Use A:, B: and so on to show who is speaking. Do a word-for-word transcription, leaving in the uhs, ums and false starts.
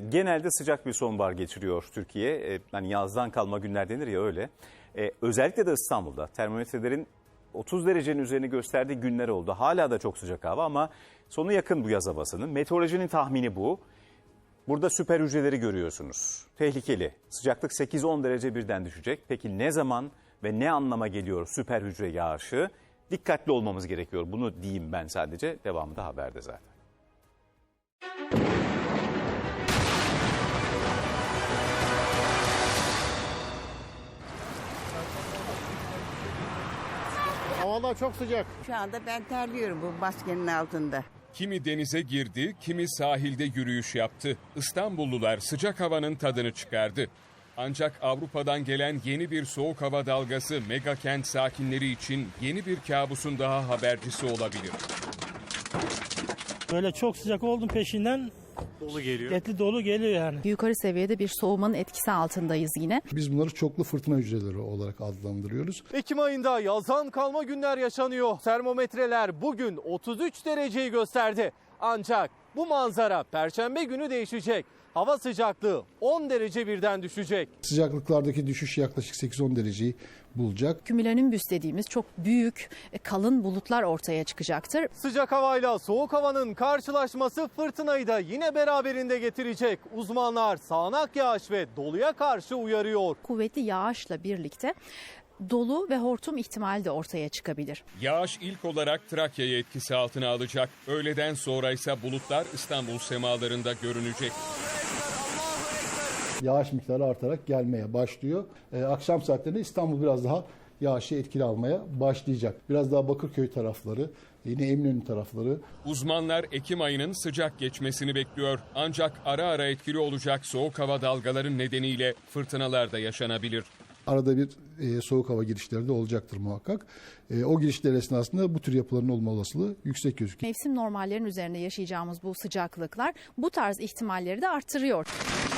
A: genelde sıcak bir sonbahar geçiriyor Türkiye. E, hani yazdan kalma günler denir ya öyle. E, özellikle de İstanbul'da termometrelerin otuz derecenin üzerini gösterdiği günler oldu. Hala da çok sıcak hava ama sonu yakın bu yaz havasının. Meteorolojinin tahmini bu. Burada süper hücreleri görüyorsunuz. Tehlikeli. Sıcaklık sekiz on derece birden düşecek. Peki ne zaman ve ne anlama geliyor süper hücre yağışı? Dikkatli olmamız gerekiyor. Bunu diyeyim ben sadece. Devamı da haberde zaten.
B: Havalar çok sıcak.
C: Şu anda ben terliyorum bu maskenin altında.
D: Kimi denize girdi, kimi sahilde yürüyüş yaptı. İstanbullular sıcak havanın tadını çıkardı. Ancak Avrupa'dan gelen yeni bir soğuk hava dalgası mega kent sakinleri için yeni bir kabusun daha habercisi olabilir.
E: Böyle çok sıcak oldum peşinden
F: Dolu geliyor.
E: şiddetli dolu geliyor yani.
G: Yukarı seviyede bir soğumanın etkisi altındayız yine.
B: Biz bunları çoklu fırtına hücreleri olarak adlandırıyoruz.
F: Ekim ayında yazdan kalma günler yaşanıyor. Termometreler bugün otuz üç dereceyi gösterdi. Ancak bu manzara Perşembe günü değişecek. Hava sıcaklığı on derece birden düşecek.
B: Sıcaklıklardaki düşüş yaklaşık sekiz on dereceyi bulacak.
G: Kümülonimbüs dediğimiz çok büyük, kalın bulutlar ortaya çıkacaktır.
F: Sıcak havayla soğuk havanın karşılaşması fırtınayı da yine beraberinde getirecek. Uzmanlar sağanak yağış ve doluya karşı uyarıyor.
G: Kuvvetli yağışla birlikte dolu ve hortum ihtimali de ortaya çıkabilir.
D: Yağış ilk olarak Trakya'yı etkisi altına alacak. Öğleden sonra ise bulutlar İstanbul semalarında görünecek.
B: Yağış miktarı artarak gelmeye başlıyor. Ee, akşam saatlerinde İstanbul biraz daha yağışı etkili almaya başlayacak. Biraz daha Bakırköy tarafları, yine Eminönü tarafları.
D: Uzmanlar Ekim ayının sıcak geçmesini bekliyor. Ancak ara ara etkili olacak soğuk hava dalgaları nedeniyle fırtınalar da yaşanabilir.
B: Arada bir e, soğuk hava girişleri de olacaktır muhakkak. E, o girişler esnasında bu tür yapıların olma olasılığı yüksek gözüküyor.
G: Mevsim normallerinin üzerinde yaşayacağımız bu sıcaklıklar bu tarz ihtimalleri de artırıyor.